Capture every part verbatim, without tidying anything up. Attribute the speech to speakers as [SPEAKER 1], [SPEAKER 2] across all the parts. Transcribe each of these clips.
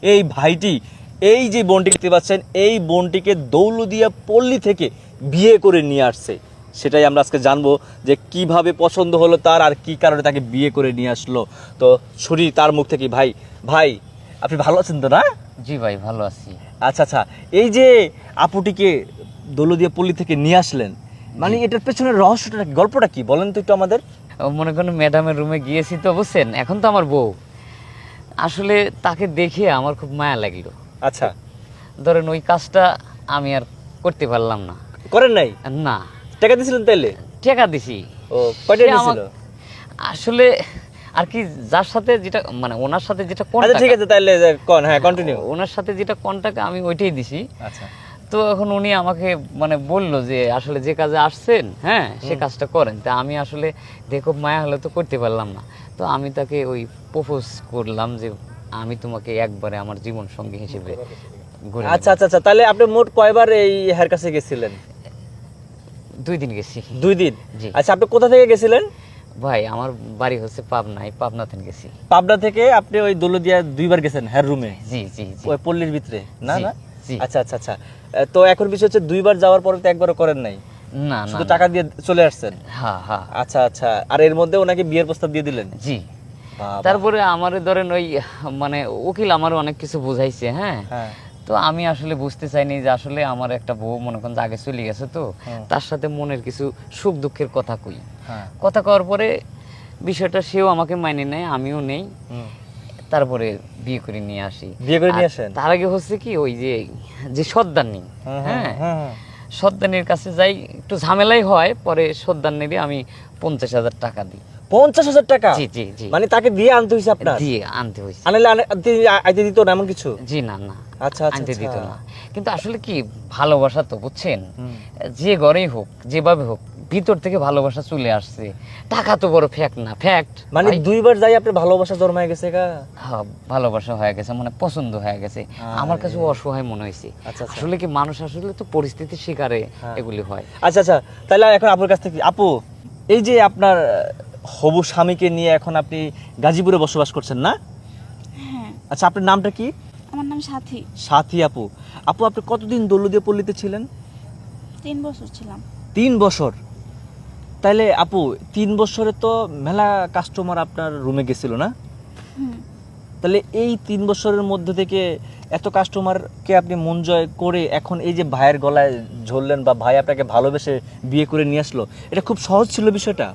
[SPEAKER 1] এই ভাইটি এই যে বোনটি দেখতে পাচ্ছেন এই বোনটিকে দৌলতদিয়া পল্লী থেকে বিয়ে করে নিয়ে আসছে। সেটাই আমরা আজকে জানবো যে কিভাবে পছন্দ হলো তার আর কি কারণে তাকে বিয়ে করে নিয়ে আসলো। তো শুনি তার মুখ থেকে। ভাই ভাই আপনি ভালো আছেন তো না?
[SPEAKER 2] জি ভাই ভালো আছি।
[SPEAKER 1] আচ্ছা আচ্ছা, এই যে আপুটিকে দৌলতদিয়া পল্লী থেকে নিয়ে আসলেন, মানে এটার পেছনের রহস্যটা কি, গল্পটা কি বলেন তো একটু আমাদের।
[SPEAKER 2] মনে করেন ম্যাডামের রুমে গিয়েছি তো বুঝছেন, এখন তো আমার বউ, আসলে তাকে দেখে আমার খুব মায়া লাগলো।
[SPEAKER 1] আচ্ছা,
[SPEAKER 2] ধরেন ওই কাজটা আমি আর করতে পারলাম না।
[SPEAKER 1] করেন নাই?
[SPEAKER 2] না।
[SPEAKER 1] টাকা দিয়েছিলেন তাইলে?
[SPEAKER 2] টাকা দিছি।
[SPEAKER 1] ও কয়টা দিয়েছিল?
[SPEAKER 2] আসলে আর কি যার সাথে যেটা মানে ওনার সাথে যেটা
[SPEAKER 1] আচ্ছা
[SPEAKER 2] কন্টাক্ট,
[SPEAKER 1] ঠিক আছে তাইলে কোন, হ্যাঁ কন্টিনিউ।
[SPEAKER 2] ওনার সাথে যেটা কন্টাক্ট আমি ওইটাই দিছি।
[SPEAKER 1] আচ্ছা,
[SPEAKER 2] তো এখন উনি আমাকে মানে বললো যে আসলে যে কাজে আসছেন হ্যাঁ সে কাজটা করেন। তা আমি আসলে দেখো মায়া হলে তো করতে পারলাম না। তো আমি তাকে ওই প্রপোজ করলাম যে আমি তোমাকে একবারে আমার জীবন সঙ্গী হিসেবে গড়ে নেব।
[SPEAKER 1] আচ্ছা আচ্ছা আচ্ছা, তাহলে আপনি মোট কয়বার এই হেয়ার কাছে গেছিলেন?
[SPEAKER 2] দুই দিন গেছি।
[SPEAKER 1] দুই দিন?
[SPEAKER 2] জি।
[SPEAKER 1] আচ্ছা, আপনি কোথা থেকে গেছিলেন?
[SPEAKER 2] ভাই আমার বাড়ি হচ্ছে পাবনায়, পাবনাতে গেছি।
[SPEAKER 1] পাবনা থেকে আপনি ওই দৌলতদিয়া দুইবার গেছেন হেয়ার রুমে?
[SPEAKER 2] জি জি জি।
[SPEAKER 1] ওই পল্লীর ভিতরে না?
[SPEAKER 2] জি,
[SPEAKER 1] না
[SPEAKER 2] জি।
[SPEAKER 1] আচ্ছা আচ্ছা আচ্ছা, তো এখন বিষয় হচ্ছে দুইবার যাওয়ার পরে তো একবারও করেন নাই,
[SPEAKER 2] না না
[SPEAKER 1] শুধু
[SPEAKER 2] না।
[SPEAKER 1] টাকা দিয়ে চলে আসছেন?
[SPEAKER 2] হ্যাঁ হ্যাঁ।
[SPEAKER 1] আচ্ছা আচ্ছা, আর এর মধ্যে ওনাকে বিয়ের প্রস্তাব দিয়ে দিলেন?
[SPEAKER 2] জি।
[SPEAKER 1] বাবা।
[SPEAKER 2] তারপরে আমারে ধরেন ওই মানে উকিল আমারও অনেক কিছু বুঝাইছে হ্যাঁ।
[SPEAKER 1] হ্যাঁ।
[SPEAKER 2] তো আমি আসলে বুঝতে চাইনি যে আসলে আমার একটা বউ মনে করেন যে আগে চলে গেছে, তো তার সাথে মনের কিছু সুখ দুঃখের কথা কই।
[SPEAKER 1] হ্যাঁ।
[SPEAKER 2] কথা কওয়ার পরে বিষয়টা সেও আমাকে মাইনে নেয়, আমিও নেই। তারপরে বিয়ে করে নিয়ে আসি।
[SPEAKER 1] বিয়ে করে নিয়ে
[SPEAKER 2] আর
[SPEAKER 1] আসেন?
[SPEAKER 2] তার আগে হচ্ছে কি ওই যে যে সর্দারনি, হ্যাঁ
[SPEAKER 1] হ্যাঁ,
[SPEAKER 2] সর্দারনির কাছে যাই, একটু ঝামেলাই হয়, পরে সর্দারনিরই আমি পঞ্চাশ হাজার টাকা দিই।
[SPEAKER 1] পঞ্চাশ হাজার টাকা?
[SPEAKER 2] জি জি জি।
[SPEAKER 1] মানে তাকে দিয়ে আনতে হয়েছে আপনার?
[SPEAKER 2] দিয়ে আনতে হয়েছে।
[SPEAKER 1] আনলে আইতে দিত না এমন কিছু?
[SPEAKER 2] জি না না।
[SPEAKER 1] আচ্ছা আচ্ছা
[SPEAKER 2] আনতে দিত
[SPEAKER 1] আচ্ছা।
[SPEAKER 2] না। কিন্তু আসলে কি ভালোবাসা তো বুঝছেন, যে ঘরেই হোক যেভাবে হোক ভিতর থেকে ভালোবাসা চলে আসছে। টাকা তো বড় ফ্যাক্ট না, ফ্যাক্ট।
[SPEAKER 1] মানে দুইবার যাই আপনার ভালোবাসা জন্মায় গেছে গা?
[SPEAKER 2] হ্যাঁ ভালোবাসা হয়ে গেছে, মানে পছন্দ হয়ে গেছে। আমার কাছে অসহায় মনে হয়েছে।
[SPEAKER 1] আচ্ছা আচ্ছা।
[SPEAKER 2] আসলে কি মানুষ আসলে তো পরিস্থিতির শিকারে এগুলি হয়।
[SPEAKER 1] আচ্ছা আচ্ছা, তাহলে এখন আপুর কাছ থেকে, আপু এই যে আপনার হবু স্বামীকে নিয়ে এখন আপনি গাজীপুরে বসবাস করছেন না?
[SPEAKER 3] হ্যাঁ।
[SPEAKER 1] আচ্ছা, আপনার নামটা কি?
[SPEAKER 3] আমার নাম সাথী।
[SPEAKER 1] সাথী আপু। আপু আপনি কতদিন দৌলতদিয়া পল্লীতে ছিলেন?
[SPEAKER 3] তিন বছর ছিলাম।
[SPEAKER 1] তিন বছর? তাইলে আপু তিন বছরে তো মেলা কাস্টমার আপনার রুমে গেছিল না?
[SPEAKER 3] হুম।
[SPEAKER 1] তাহলে এই তিন বছরের মধ্যে থেকে এত কাস্টমারকে আপনি মন জয় করে এখন এই যে ভাইয়ের গলায় ঝরলেন বা ভাই আপনাকে ভালোবেসে বিয়ে করে নিয়ে আসলো, এটা খুব সহজ ছিল বিষয়টা?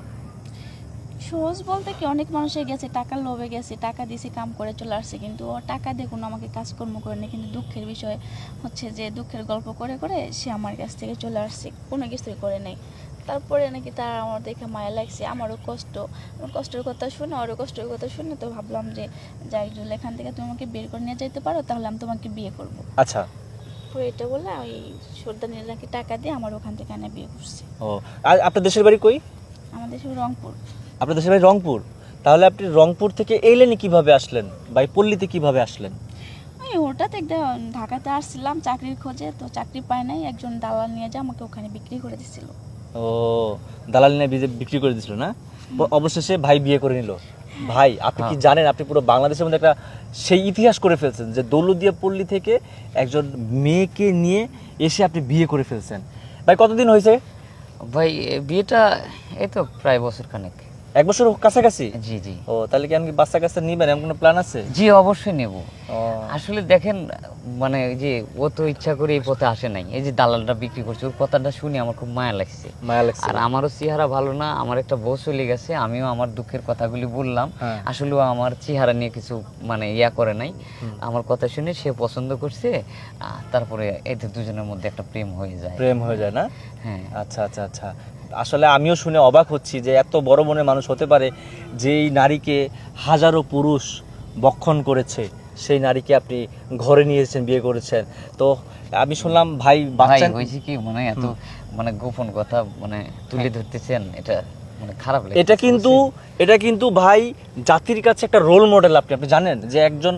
[SPEAKER 3] সহজ বলতে কি, অনেক মানুষের গেছে টাকার লোভে গেছে, টাকা দিয়েছে কাম করে চলে আসছে, কিন্তু ও টাকা দিয়ে কোনো আমাকে কাজকর্ম করে না। কিন্তু দুঃখের বিষয় হচ্ছে যে দুঃখের গল্প করে করে সে আমার কাছ থেকে চলে আসছে, কোনো কিছুই করে নাই। তারপরে নাকি তার আমার দেখে মায়া লাগছে, আমারও কষ্ট, আমার কষ্টের কথা শুনে ওরও কষ্টের কথা শুনে তো ভাবলাম যে যাই যদি এখান থেকে তুমি আমাকে বের করে নিয়ে যেতে পারো তাহলে আমি তোমাকে বিয়ে করবো।
[SPEAKER 1] আচ্ছা।
[SPEAKER 3] তো এটা বলে ওই সর্দানির নাকি টাকা দিয়ে আমার ওখান থেকে এনে বিয়ে করছে।
[SPEAKER 1] ও, আর আপনার দেশের বাড়ি কই?
[SPEAKER 3] আমাদের সব রংপুর।
[SPEAKER 1] আপনার দেশের বাড়ি রংপুর? তাহলে আপনি রংপুর থেকে এলেনি কিভাবে আসলেন, বা এই পল্লীতে কিভাবে আসলেন?
[SPEAKER 3] ওই হঠাৎ একদম ঢাকাতে আসছিলাম চাকরির খোঁজে, তো চাকরি পাই নাই, একজন দালাল নিয়ে যা আমাকে ওখানে বিক্রি করে দিছিল।
[SPEAKER 1] ও, দালাল নিয়ে বিক্রি করে দিছিল না? অবশেষে ভাই বিয়ে করে নিল। ভাই আপনি কি জানেন, আপনি পুরো বাংলাদেশের মধ্যে একটা সেই ইতিহাস করে ফেলছেন যে দৌলতদিয়া পল্লী থেকে একজন মেয়েকে নিয়ে এসে আপনি বিয়ে করে ফেলছেন। ভাই কতদিন হয়েছে
[SPEAKER 2] ভাই বিয়েটা এই তো প্রায় বছর খানেক।
[SPEAKER 1] এক বছর কাছাকাছি?
[SPEAKER 2] জি জি।
[SPEAKER 1] ও, তাহলে কি আমি বাচ্চা কাচ্চা নিবেন এমন কোনো প্ল্যান আছে?
[SPEAKER 2] জি অবশ্যই নেব। আসলে দেখেন মানে যে ও তো ইচ্ছা করে এই পথে আসে নাই, এই যে দালালটা বিক্রি করছে ওর কথাটা শুনে আমার খুব মায়া লাগছে।
[SPEAKER 1] মায়া লাগছে?
[SPEAKER 2] আর আমারও চেহারা ভালো না, আমার একটা বউ চলে গেছে, আমিও আমার দুঃখের কথাগুলি বললাম। আসলে ও আমার চেহারা নিয়ে কিছু মানে ইয়া করে নাই, আমার কথা শুনে সে পছন্দ করছে। তারপরে এদের দুজনের মধ্যে একটা প্রেম হয়ে যায়।
[SPEAKER 1] প্রেম হয়ে যায় না?
[SPEAKER 2] হ্যাঁ।
[SPEAKER 1] আচ্ছা আচ্ছা আচ্ছা, আসলে আমিও শুনে অবাক হচ্ছি যে এত বড় মনের মানুষ হতে পারে, যেই নারীকে হাজারো পুরুষ বক্ষণ করেছে সেই নারীকে আপনি ঘরে নিয়ে এসেছেন, বিয়ে করেছেন। তো আমি শুনলাম ভাই বাচ্চা
[SPEAKER 2] হয়েছে কি মানে এত মানে গোপন কথা মানে তুলে ধরতেছেন, এটা মানে খারাপ লাগে।
[SPEAKER 1] এটা কিন্তু এটা কিন্তু ভাই জাতির কাছে একটা রোল মডেল। আপনি আপনি জানেন যে একজন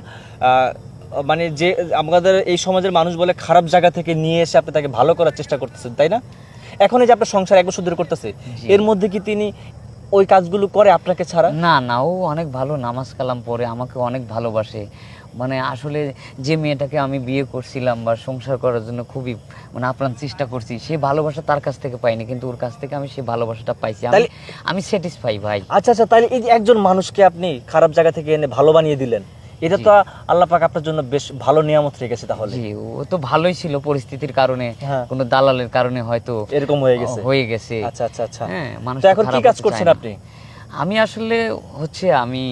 [SPEAKER 1] মানে যে আমাদের এই সমাজের মানুষ বলে খারাপ জায়গা থেকে নিয়ে এসে আপনি তাকে ভালো করার চেষ্টা করতেছেন, তাই না? এখন এই যে আপনার সংসার এক বছর ধরে করতেছে, এর মধ্যে কি তিনি ওই কাজগুলো করে আপনাকে ছাড়া?
[SPEAKER 2] না না, ও অনেক ভালো নামাজ কালাম পড়ে, আমাকে অনেক ভালোবাসে। ও মানে আসলে যে মেয়েটাকে আমি বিয়ে করছিলাম বা সংসার করার জন্য খুবই মানে আপ্রাণ চেষ্টা করছি, সে ভালোবাসা তার কাছ থেকে পাইনি, কিন্তু ওর কাছ থেকে আমি সেই ভালোবাসাটা পাইছি। আমি
[SPEAKER 1] তাহলে-
[SPEAKER 2] আমি স্যাটিসফাই ভাই।
[SPEAKER 1] আচ্ছা আচ্ছা, তাহলে এই যে একজন মানুষকে আপনি খারাপ জায়গা থেকে এনে ভালো বানিয়ে দিলেন, এটা তো আল্লাহ পাক আপনার জন্য বেশ ভালো নিয়ামত রেখেছে তাহলে।
[SPEAKER 2] জি, ও তো ভালোই ছিল, পরিস্থিতির কারণে
[SPEAKER 1] হ্যাঁ।
[SPEAKER 2] কোনো দালালের কারণে হয়তো
[SPEAKER 1] এরকম হয়ে গেছে।
[SPEAKER 2] হয়ে গেছে।
[SPEAKER 1] আচ্ছা আচ্ছা আচ্ছা।
[SPEAKER 2] হ্যাঁ, মানুষ
[SPEAKER 1] তো
[SPEAKER 2] তো
[SPEAKER 1] এখন কি
[SPEAKER 2] খারাপ
[SPEAKER 1] কাজ
[SPEAKER 2] হতে
[SPEAKER 1] করছেন
[SPEAKER 2] চায় না।
[SPEAKER 1] আপনি?
[SPEAKER 2] আমি আসলে হচ্ছে আমি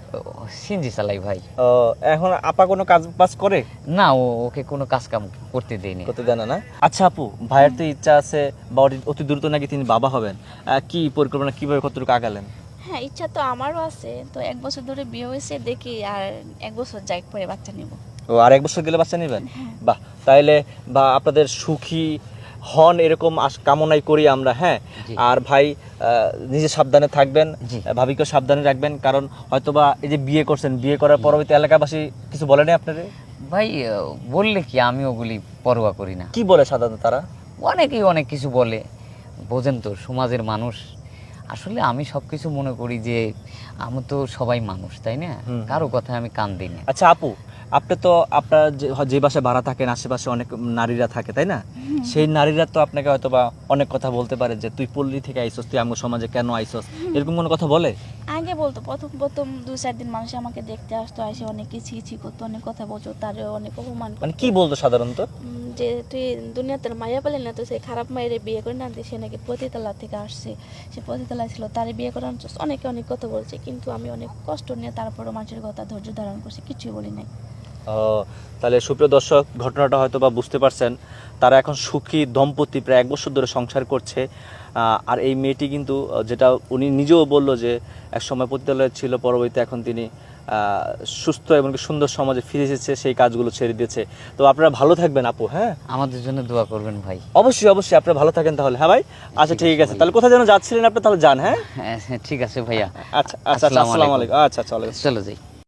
[SPEAKER 2] সিনজি চালাই ভাই।
[SPEAKER 1] ও, এখন আপা কোনো কাজ বাজ করে?
[SPEAKER 2] না, ও ওকে কোনো কাজ কাম করতে দেয়নি।
[SPEAKER 1] করতে দেন না? আচ্ছা আপু, ভাইয়ের তো ইচ্ছা আছে বা অতি- অতি দ্রুত নাকি তিনি বাবা হবেন, আহ, কি পরিকল্পনা, কিভাবে কতটুকু আগালেন?
[SPEAKER 3] হ্যাঁ, ইচ্ছা তো আমারও আছে, তো এক বছর ধরে বিয়ে হয়েছে, দেখি আর এক বছর যাই পরে বাচ্চা নিব।
[SPEAKER 1] ও, আর এক বছর গেলে বাচ্চা নেবেন? বাহ, তাইলে বা আপনাদের সুখী হন এরকম আশ- কামনাই করি আমরা। হ্যাঁ,
[SPEAKER 2] জি।
[SPEAKER 1] আর ভাই আহ, নিজে সাবধানে থাকবেন,
[SPEAKER 2] জি।
[SPEAKER 1] আহ, ভাবিকেও সাবধানে রাখবেন, কারণ হয়তোবা এই যে বিয়ে করছেন, বিয়ে করার পরবর্তী এলাকাবাসী কিছু বলেনি আপনাদের?
[SPEAKER 2] ভাই আহ, বললে কি, আমি ওগুলি পরোয়া করি না।
[SPEAKER 1] কি বলে সাধারণত তারা?
[SPEAKER 2] অনেকেই অনেক কিছু বলে, বোঝেন তো সমাজের মানুষ। আসলে আমি সব কিছু মনে করি যে আমি তো সবাই মানুষ, তাই না?
[SPEAKER 1] হুম।
[SPEAKER 2] কারো কথায় আমি কান দিই না।
[SPEAKER 1] আচ্ছা আপু, আপনি তো আপনার যে যে বাসায় ভাড়া থাকেন, আশেপাশে অনেক নারীরা থাকে, তাই না? সেই নারীরা তো আপনাকে হয়তো বা অনেক কথা বলতে পারে যে তুই পল্লী থেকে আইসস, তুই আমার সমাজে কেন আইসস, এরকম কোনো কথা বলে?
[SPEAKER 3] আগে বলতো, প্রথম প্রথম দু চার দিন মানুষ আমাকে দেখতে আসতো, এসে অনেক কিছু কিছু করতো, অনেক কথা বলতো, তারে অনেক অপমান
[SPEAKER 1] মানে
[SPEAKER 3] করতো।
[SPEAKER 1] কি বলতো সাধারণত?
[SPEAKER 3] উম, যে তুই দুনিয়াতে মায়া পেলে না, তো সে খারাপ মায়ের বিয়ে করে না দিয়ে, সে নাকি পতিতলা থেকে আসছে, সে পতিতলায় ছিল, তারে বিয়ে করার জন্য অনেকে অনেক কথা বলছে, কিন্তু আমি অনেক কষ্ট নিয়ে তারপরও মানুষের কথা ধৈর্য ধারণ করছি, কিছুই বলি নাই।
[SPEAKER 1] ও, তাহলে সুপ্রিয় দর্শক, ঘটনাটা হয়তো বা বুঝতে পারছেন। তারা এখন সুখী দম্পতি, প্রায় এক বছর ধরে সংসার করছে। আহ, আর এই মেয়েটি কিন্তু আহ, যেটা উনি নিজেও বললো যে এক সময় পতিতালয়ে ছিল, পরবর্তীতে এখন তিনি আহ, সুস্থ এবং সুন্দর সমাজে ফিরে এসেছে, সেই কাজগুলো ছেড়ে দিয়েছে। তো আপনারা ভালো থাকবেন আপু। হ্যাঁ,
[SPEAKER 2] আমাদের জন্য দোয়া করবেন ভাই।
[SPEAKER 1] অবশ্যই অবশ্যই, আপনারা ভালো থাকেন তাহলে। হ্যাঁ ভাই, আচ্ছা
[SPEAKER 2] ঠিক
[SPEAKER 1] ঠিক
[SPEAKER 2] আছে
[SPEAKER 1] আছে,
[SPEAKER 2] ভাই।
[SPEAKER 1] তাহলে কোথায় যেন যাচ্ছিলেন আপনি, তাহলে যান। হ্যাঁ,
[SPEAKER 2] হ্যাঁ, ঠিক আছে ভাইয়া।
[SPEAKER 1] আচ্ছা আচ্ছা,
[SPEAKER 2] আসসালামু
[SPEAKER 1] আসসালামু
[SPEAKER 2] আলাইকুম।
[SPEAKER 1] আলাইকুম। আচ্ছা চলো।
[SPEAKER 2] চলো যাই।